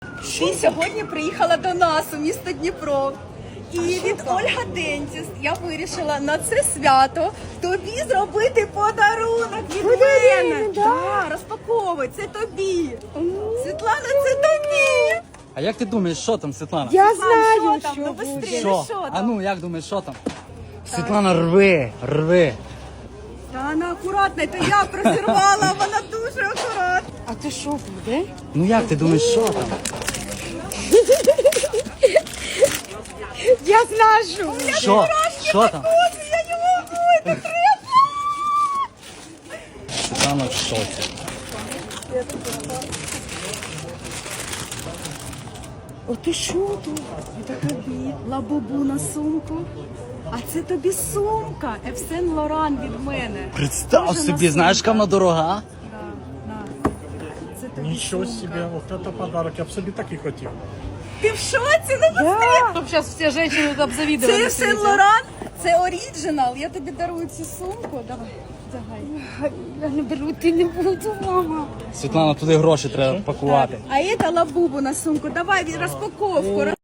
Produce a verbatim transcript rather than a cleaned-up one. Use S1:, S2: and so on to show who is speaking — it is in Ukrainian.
S1: Ти сьогодні приїхала до нас у місто Дніпро. І від Ольга Дентіст я вирішила на це свято тобі зробити подарунок від мене. Да, розпаковуй, це тобі. Світлана, це тобі.
S2: А як ти думаєш, що там, Світлана?
S3: Я
S1: Світлана,
S3: знаю,
S1: що там?
S3: що
S1: Ну,
S3: буде.
S1: быстрее,
S2: Що?
S1: що
S2: А
S1: там?
S2: ну, як думаєш, що там? Світлана, рви, рви.
S1: Та вона акуратна, то я прозірвала, вона дуже акуратна.
S3: А це що буде?
S2: Ну як ти думаєш, що там?
S3: Я знаю, що.
S2: Що? Що там?
S1: Ось, я не можу, це треба.
S2: Світлана в шоці.
S3: О, ти що тут?
S1: Це тобі лабубу на сумку. А це тобі сумка Ев Сен Лоран від мене.
S2: Представ
S1: Дуже
S2: собі,
S1: на
S2: знаєш,
S1: сумка.
S2: яка вона дорога?
S1: Да, на. Це тобі
S4: Нічого
S1: сумка.
S4: себе, от це подарок, я б собі так і хотів.
S1: Ти в шоці? Ну быстрее.
S5: Чтоб сейчас все женщины
S1: Це
S5: обзавидовали.
S1: Ев Сен Лоран, це оріджинал. Я тобі дарую цю сумку. Давай, давай.
S3: Я не беру, ти не буду, мама.
S2: Світлана, туди гроші треба пакувати.
S1: А це лабубу на сумку. Давай розпаковку.